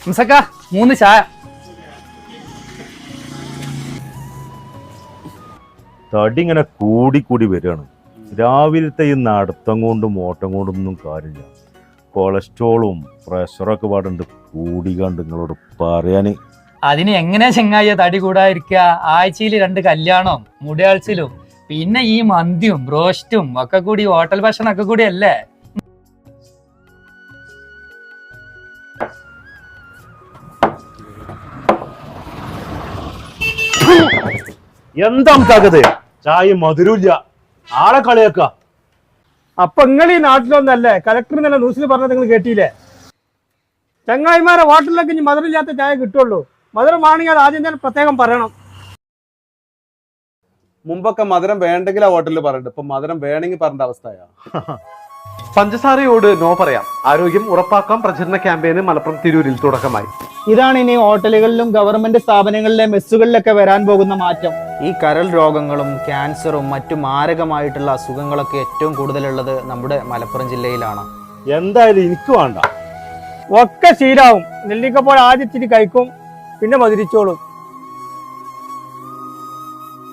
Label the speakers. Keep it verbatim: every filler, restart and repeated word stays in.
Speaker 1: മുസക്ക മൂന്ന് ചായ.
Speaker 2: തടി ഇങ്ങനെ കൂടി കൂടി വരികയാണ്. രാവിലത്തെ ഈ നടത്തം കൊണ്ടും ഓട്ടം കൊണ്ടൊന്നും കാര്യമില്ല. കൊളസ്ട്രോളും പ്രഷറൊക്കെ പാടുണ്ട് കൂടി കണ്ട് നിങ്ങളോട് പറയാന്.
Speaker 1: അതിന് എങ്ങനെയാ ചെങ്ങായ തടി കൂടാതിരിക്കുക? ആഴ്ചയിൽ രണ്ട് കല്യാണവും മുടിയാഴ്ചയിലും പിന്നെ ഈ മന്തിയും ബ്രോസ്റ്റും ഒക്കെ കൂടി ഹോട്ടൽ ഭക്ഷണം ഒക്കെ കൂടി അല്ലേ?
Speaker 2: എന്താ നമുക്കാകത്? ചായ മധുരമില്ല, ആളെ കളിയാക്ക.
Speaker 3: അപ്പൊ നിങ്ങൾ ഈ നാട്ടിലൊന്നല്ലേ കലക്ടർ നല്ല ന്യൂസിൽ പറഞ്ഞത് നിങ്ങൾ കേട്ടില്ലേ? ചങ്ങായിമാരെ ഹോട്ടലിലൊക്കെ ഇനി മധുരമില്ലാത്ത ചായ കിട്ടുള്ളൂ. മധുരം വാണെങ്കിൽ അത് ആദ്യം തന്നെ പ്രത്യേകം പറയണം.
Speaker 4: മുമ്പൊക്കെ മധുരം വേണ്ടെങ്കിൽ ആ ഹോട്ടലിൽ പറഞ്ഞിട്ട് ഇപ്പൊ മധുരം വേണമെങ്കിൽ പറഞ്ഞ അവസ്ഥയാ.
Speaker 5: പഞ്ചസാരയോട് നോ പറയാം. ആരോഗ്യം ഉറപ്പാക്കാം പ്രചരണ ക്യാമ്പയിന് മലപ്പുറം തിരൂരിൽ തുടക്കമായി.
Speaker 6: ഇതാണ് ഇനി ഹോട്ടലുകളിലും ഗവൺമെന്റ് സ്ഥാപനങ്ങളിലെ മെസ്സുകളിലൊക്കെ വരാൻ പോകുന്ന മാറ്റം. ഈ കരൾ രോഗങ്ങളും ക്യാൻസറും മറ്റു മാരകമായിട്ടുള്ള അസുഖങ്ങളൊക്കെ ഏറ്റവും കൂടുതലുള്ളത് നമ്മുടെ മലപ്പുറം ജില്ലയിലാണ്.
Speaker 2: എന്തായാലും എനിക്ക് വേണ്ട.
Speaker 3: ഒക്കെ ശീലാവും. നെല്ലിക്കപ്പോൾ ആദ്യം ഇച്ചിരി കഴിക്കും, പിന്നെ മധുരിച്ചോളും.